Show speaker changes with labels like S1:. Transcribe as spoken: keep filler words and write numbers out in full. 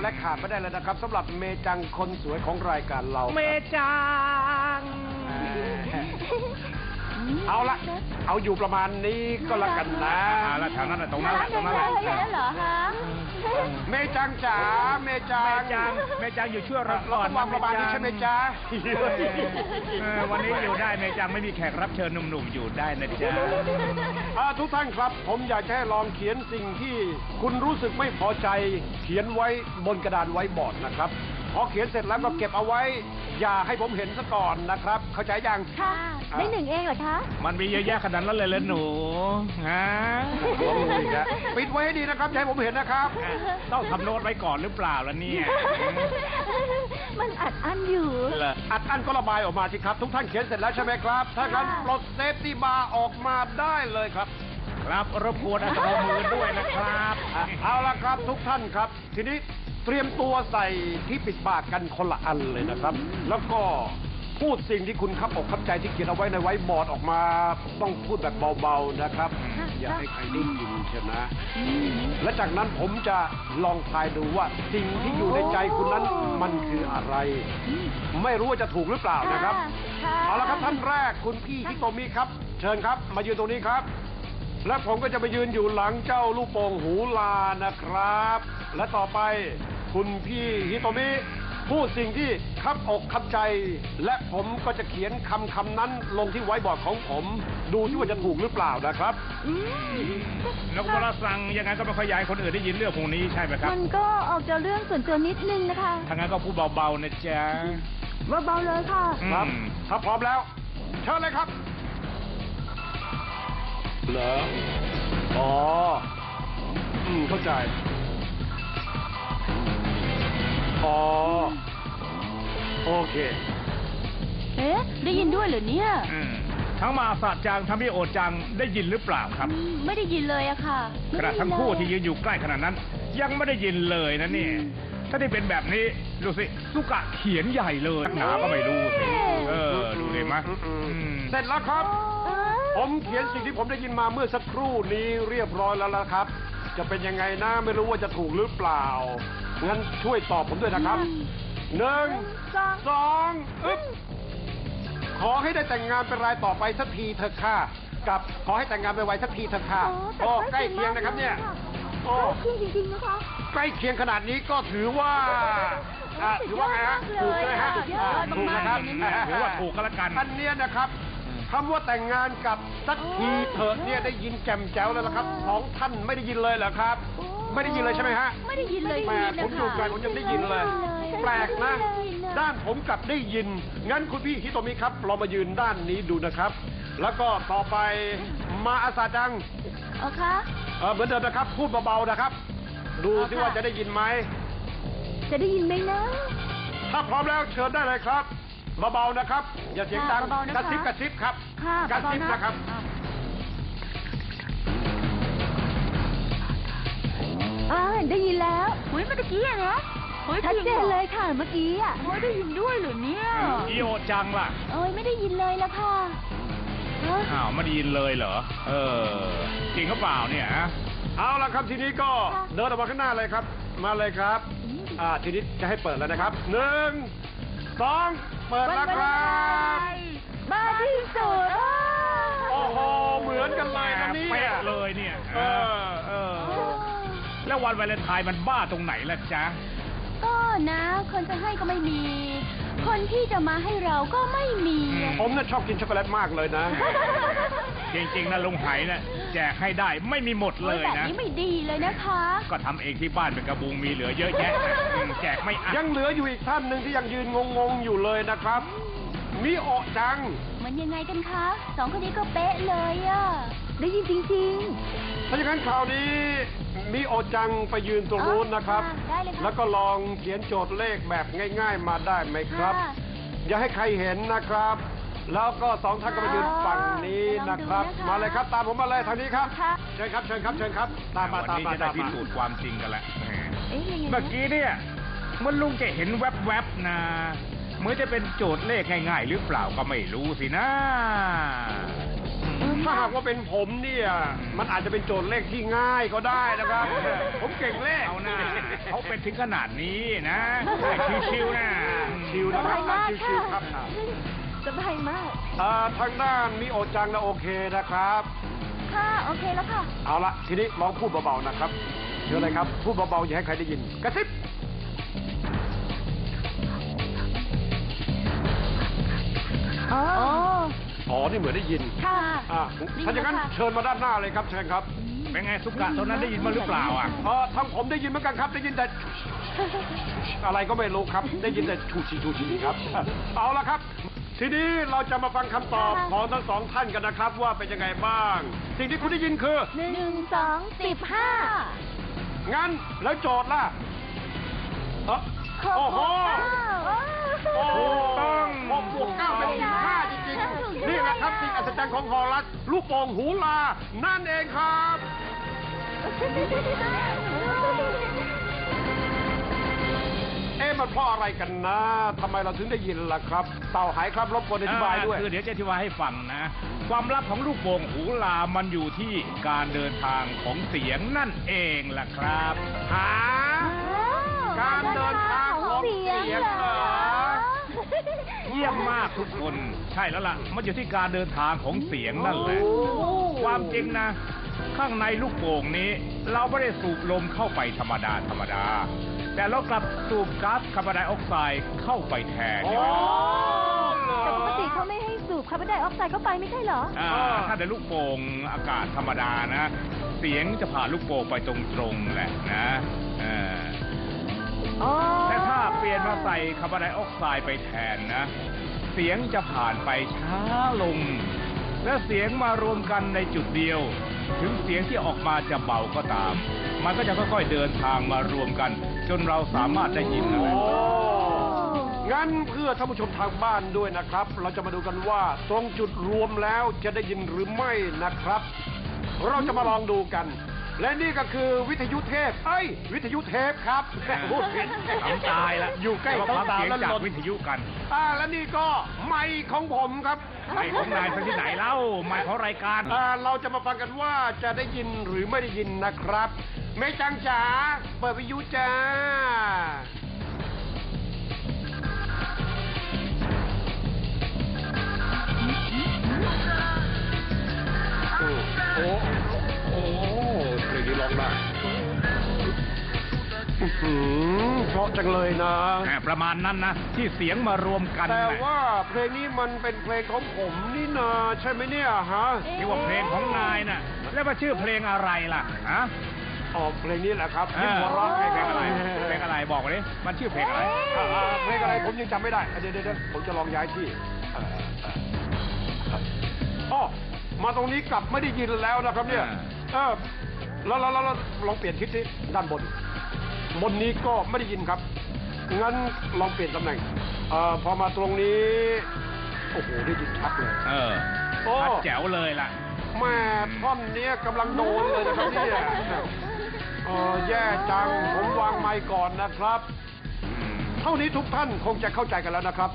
S1: และขาดไม่ได้เลยนะครับสำหรับเมจังคนสวยของรายการเราเมจังเอาละเอาอยู่ประมาณนี้ก็แล้วกันนะเอาละแถวนั้นตรงนั้นแหละตรงนั้นแหละ
S2: เหรอฮะ
S1: เมจังจ๋าเมจัง
S3: เมจังอยู่ช่วยเราก่อน
S1: วางประมาณนี้ใช่ไหมจ๊ะ
S3: วันนี้อยู่ได้เมจังไม่มีแขกรับเชิญหนุ่มๆอยู่ได้นะจ๊ะ
S1: ทุกท่านครับผมอยากให้ลองเขียนสิ่งที่คุณรู้สึกไม่พอใจเขียนไว้บนกระดานไว้บอร์ดนะครับพอเขียนเสร็จแล้วก็เก็บเอาไว้อย่าให้ผมเห็นซะก่อนนะครับเข้าใจยัง
S2: ค่ะได้หนึ่งเองเหรอคะ
S3: มันมีเยอะแยะขนาดนั้นเลยเหรอหนูฮะ
S1: ปิดไว้ให้ดีนะครับอย่าให้ผมเห็นนะครับ
S3: ต้องทำโน้ตไว้ก่อนหรือเปล่าล่ะเนี่ย
S2: มันอัดอั้นอยู่
S1: อัดอั้นก็ระบายออกมาสิครับทุกท่านเขียนเสร็จแล้วใช่ไหมครับถ้างั้นปลดเซฟตี้บาร์ออกมาได้เลยครับ
S3: ครับรบกวนเอามือด้วยนะครับ
S1: เอาละครับทุกท่านครับทีนี้เตรียมตัวใส่ที่ปิดปากกันคนละอันเลยนะครับแล้วก็พูดสิ่งที่คุณคับอกคับใจที่เขียนเอาไว้ในไว้บอร์ดออกมาต้องพูดแบบเบาๆนะครับอย่าให้ใครได้ยินใช่ไหมและจากนั้นผมจะลองทายดูว่าสิ่งที่อยู่ในใจคุณนั้นมันคืออะไรไม่รู้ว่าจะถูกหรือเปล่านะครับเอาละครับท่านแรกคุณพี่ฮิโตมิครับเชิญครับมายืนตรงนี้ครับและผมก็จะมายืนอยู่หลังเจ้าลูกโป่งหูลานะครับและต่อไปคุณพี่ฮิโตมิพูดสิ่งที่คับอกคับใจและผมก็จะเขียนคำคำนั้นลงที่ไว้บอร์ดของผมดูที่ว่าจะถูกหรือเปล่านะครับ
S3: นกวรสังยังไงก็ไม่ค่อยอยากให้คนอื่นได้ยินเรื่องพวกนี้ใช่ไหมครับ
S2: มันก็ออกจะเรื่องส่วนตัวนิดนึงนะคะ
S3: ถ้างั้นก็พูดเบาๆนะจ๊ะ
S2: เบาๆเลยค่ะ
S1: ครับถ้าพร้อมแล้วเชิญเลยครับเหรออ๋ออืมเข้าใจอ๋อโอเค
S2: เอ๊ะได้ยินด้วยเหรอเนี่ย
S3: ทั้งมาสะจังทั้งพี่โอจังได้ยินหรือเปล่าครับ
S2: ไม่ได้ยินเลยอะค่ะ
S3: ขณะทั้งคู่ที่ยืนอยู่ใกล้ขนาดนั้นยังไม่ได้ยินเลยนะนี่ถ้าได้เป็นแบบนี้ดูสิลูกกะเขียนใหญ่เลยหนาก็ไม่รู้สิเออดูเลยมั้ย
S1: เสร็จแล้วครับผมเขียนสิ่งที่ผมได้ยินมาเมื่อสักครู่นี้เรียบร้อยแล้วละครับจะเป็นยังไงนะไม่รู้ว่าจะถูกหรือเปล่างั้นช่วยตอบผมด้วยนะครับหนึ่งสองอึ๊บขอให้ได้แต่งงานเป็นรายต่อไปสักทีเถอะค่ะกับขอให้แต่งงานไปไวสักทีเถอะค่ะโอ้ใกล้เคียงนะครับเนี่ย
S2: โอ้ใกล้เคียงจริงๆนะคะ
S1: ใกล้เคียงขนาดนี้ก็ถือว่าถือว่าไงฮะถูกเลยฮะถูกนะครับ
S3: ถือว่าถูกก็แล้วกัน
S1: อันนี้นะครับคำว่าแต่งงานกับสักทีเถอะเนี่ยได้ยินแจ่มแจ๋วแล้วนะครับสองท่านไม่ได้ยินเลยเหรอครับไม่ได้ยินเลยใช่ไหมฮะ
S2: ไม่ได้ยินเลย
S1: แปลกผมอยู่กันผมยังได้ยินเลยแปลกนะด้านผมกลับได้ยินงั้นคุณพี่ฮิโตมิครับเรามายืนด้านนี้ดูนะครับแล้วก็ต่อไปมาอาซาจัง
S2: อ๋อคะ
S1: เออเหมือนเดิมนะครับพูดเบาๆนะครับดูซิว่าจะได้ยินไหม
S2: จะได้ยินไหมนะ
S1: ถ้าพร้อมแล้วเชิญได้เลยครับเบาๆนะครับอย่าเสียงดังกระซิบกระซิบครับกระซิบนะครับ
S2: อ่าได้ยินแล้วเฮ้ยเมื่อกี้อะนะชัดเจนเลยค่ะเมื่อกี้อ่ะไม่ได้ยินด้วยหรือเนี่ย
S3: อีโอจังล่ะ
S2: โอ้ยไม่ได้ยินเลยละค่ะ
S3: อ้าวไม่ได้ยินเลยเหรอเออจริงหรือเปล่าเนี่ย
S1: เอาละครับทีนี้ก็เดินออกมาข้างหน้าเลยครับมาเลยครับอ่าทีนี้จะให้เปิดแล้วนะครับหนึ่งสองเปิดแล้วครับ
S2: มาที่สุด
S1: โอ้โหเหมือนกันเลยนะนี่
S3: เป๊ะเลยเนี่ยเออเออแล้ววันวาเลนไทน์มันบ้าตรงไหนล่ะจ๊ะ
S2: ก็นะคนจะให้ก็ไม่มีคนที่จะมาให้เราก็ไม่มี
S1: ผมน่ะชอบกินช็อกโกแลตมากเลยนะ
S3: จริงๆนะลุงไหน่ะแจกให้ได้ไม่มีหมดเลยนะ
S2: แบบนี้ไม่ดีเลยนะคะ
S3: ก็ทำเองที่บ้านเป็นกระบุงมีเหลือเยอะแยะแจกไม่อั้น
S1: ยังเหลืออยู่อีกท่านหนึ่งที่ยังยืนงงๆอยู่เลยนะครับมิโอะจัง
S2: มันยังไงกันคะสองคนนี้ก็เป๊ะเลยอ่ะได้ยินจริง
S1: ๆถ้าอย่างนั้นข่าวนี้มิโอะจังไปยืนตรงนู้นนะครับแล้วก็ลองเขียนโจทย์เลขแบบง่ายๆมาได้ไหมครับอย่าให้ใครเห็นนะครับแล้วก็สองท่านก็มายืนฝั่งนี้นะครับมาเลยครับตามผมมาเลยทางนี้ครับเชิญครับเชิญครับเชิญครับตามมาตามมา
S3: ตามมาพิสูจน์ความจริงกันแหละเมื่อกี้เนี่ยมันลุงจะเห็นแวบๆนะเหมือนจะเป็นโจทย์เลขง่ายๆหรือเปล่าก็ไม่รู้สินะ
S1: ถ้าหากว่าเป็นผมเนี่ย มันอาจจะเป็นโจทย์เลขที่ง่ายก็ได้นะครับ ผมเก่งเลข
S3: เอาหน้าเขาเป็นถึงขนาดนี้นะชิวๆนะ
S1: ชิว
S2: ส
S1: นะค
S2: บา
S1: รับ
S2: ยมาก
S1: ชิ
S2: ค่ะ
S1: วๆครับ
S2: สบายมาก
S1: อ่าทางด้านมิโอจังนะโอเคนะครับ
S2: ค่ะ โอเคแล้วค่ะ
S1: เอาละทีนี้ลองพูดเบาๆนะครับเชิญเลยครับ พูดเบาๆอย่าให้ใครได้ยิน กระซิบ
S2: อ๋อ
S1: อ๋อ นี่เหมือนได้ยิน
S2: ค่ะ
S1: อ่าถ้าอย่างนั้นเชิญมาด้านหน้าเลยครับ เชิญครับ
S3: เป็นไงสุกะตอนนั้นได้ยินมาหรือเปล่าอ่ะ
S1: เออทางผมได้ยินเหมือนกันครับ ได้ยินแต่อะไรก็ไม่รู้ครับ ได้ยินแต่ชูชีชูชีครับ เอาละครับ ทีนี้เราจะมาฟังคำตอบของทั้งสองท่านกันนะครับ ว่าเป็นยังไงบ้าง สิ่งที่คุณได้ยินคือ
S2: หนึ่งสองสิบห้า
S1: งั้นแล้วโจทย์ล่ะเอ้อ
S2: หก
S1: โอ้โห
S2: โอ้
S1: โอ้
S3: ต้อง
S1: หกบวกเก้าเป็นสิบห้าจริงๆ นี่แหละครับสิ่งอัศจรรย์ของฮอลลัสลูกโป่งหูลา นั่นเองครับ เอ๊ะมันเพราะอะไรกันนะทำไมเราถึงได้ยินล่ะครับ เต่าหายครับรบกวนอธิบายด้วย
S3: อ่คือเดี๋ยวจะอธิบายให้ฟังนะ ความลับของลูกโป่งหูลามันอยู่ที่การเดินทางของเสียงนั่นเองล่ะครับ
S1: หา การเดินทางของเสียงเหรอ
S3: เยี่ยมมากทุกคน ใช่แล้วล่ะ มันอยู่ที่การเดินทางของเสียงนั่นแหละ ความจริงนะ ข้างในลูกโป่งนี้ เราไม่ได้สูบลมเข้าไปธรรมดาธรรมดา แต่เรากลับสูบก๊าซคาร์บอนไดออกไซด์เข้าไปแทน
S1: โอ้
S2: แต่ปกติเขาไม่ให้สูบคาร์บอนไดออกไซด์เข้าไปไม่ใช่เหรอ
S3: อ่าถ้าเป็นลูกโป่งอากาศธรรมดานะ เสียงจะผ่านลูกโป่งไปตรงๆแหละนะเออ
S2: อ๋อ
S3: แต่ถ้าเปลี่ยนมาใส่คาร์บอนไดออกไซด์ไปแทนนะ เสียงจะผ่านไปช้าลง และเสียงมารวมกันในจุดเดียว ถึงเสียงที่ออกมาจะเบาก็ตาม มันก็จะค่อยๆเดินทางมารวมกัน จนเราสามารถได้ยินนะ
S1: โอ้งั้นเพื่อท่านผู้ชมทางบ้านด้วยนะครับ เราจะมาดูกันว่าตรงจุดรวมแล้วจะได้ยินหรือไม่นะครับ เราจะมาลองดูกัน และนี่ก็คือวิทยุเทพเอ้ย วิทยุเทปครับโอ้เห็น
S3: ทำตายละ
S1: อยู่ใกล้
S3: แล้ว
S1: ต้
S3: ก็
S1: องตา
S3: เสียง
S1: แล้ว
S3: จาก
S1: หล่น
S3: วิทยุกัน
S1: อ่าและนี่ก็ไมค์ของผมครับ
S3: ไม่ของนายไปที่ไหนเล่าไม่ของรายการ
S1: อ่าเราจะมาฟังกันว่าจะได้ยินหรือไม่ได้ยินนะครับเมจังจ๋าเปิดวิทยุจ้าโอ้โอ้โอ้เพลงนี้ร้องได้อื้อหือเพราะจังเลยนะ
S3: แหมประมาณนั้นนะ ที่เสียงมารวมกัน
S1: แต่
S3: น่ะ
S1: ว่าเพลงนี้มันเป็นเพลงของผมนี่นาใช่ไหมเนี่ยฮะ
S3: ที่ว่าเพลงของนายน่ะ แล้วมาชื่อเพลงอะไรล่ะฮะ
S1: อ๋อเพลงนี้แหละครับ
S3: เอ
S1: ที่
S3: อ
S1: หัวเราะ
S3: เพ
S1: เพ
S3: ล
S1: ล
S3: ง
S1: ง
S3: อะ
S1: อะไร ไร
S3: เพลงอะไรบอกมาดิมันชื่อเพลงอะไร
S1: อ่าอ่าเพลงอะไรผมยังจำไม่ได้อ่ะเดี๋ยวเดี๋ยวเดี๋ยวผมจะลองย้ายที่เอ่อเอ่ออ๋อมาตรงนี้กลับไม่ได้ยินแล้วนะครับเนี่ยเออแล้วแล้วแล้วแล้วลองเปลี่ยนทิศที่ด้านบน บนนี้ก็ไม่ได้ยินครับงั้นลองเปลี่ยนตำแหน่งเอ่อพอมาตรงนี้โอ้โหได้ยินชัดเลย
S3: เออ
S1: โอ้
S3: ชัดแจ๋วเลยล่ะ
S1: แม่ท่อนเนี้ยกำลังโดนเลยนะครับเนี่ยเออแย่จังผมวางไมค์ก่อนนะครับ เท่านี้ทุกท่านคงจะเข้าใจกันแล้วนะครับ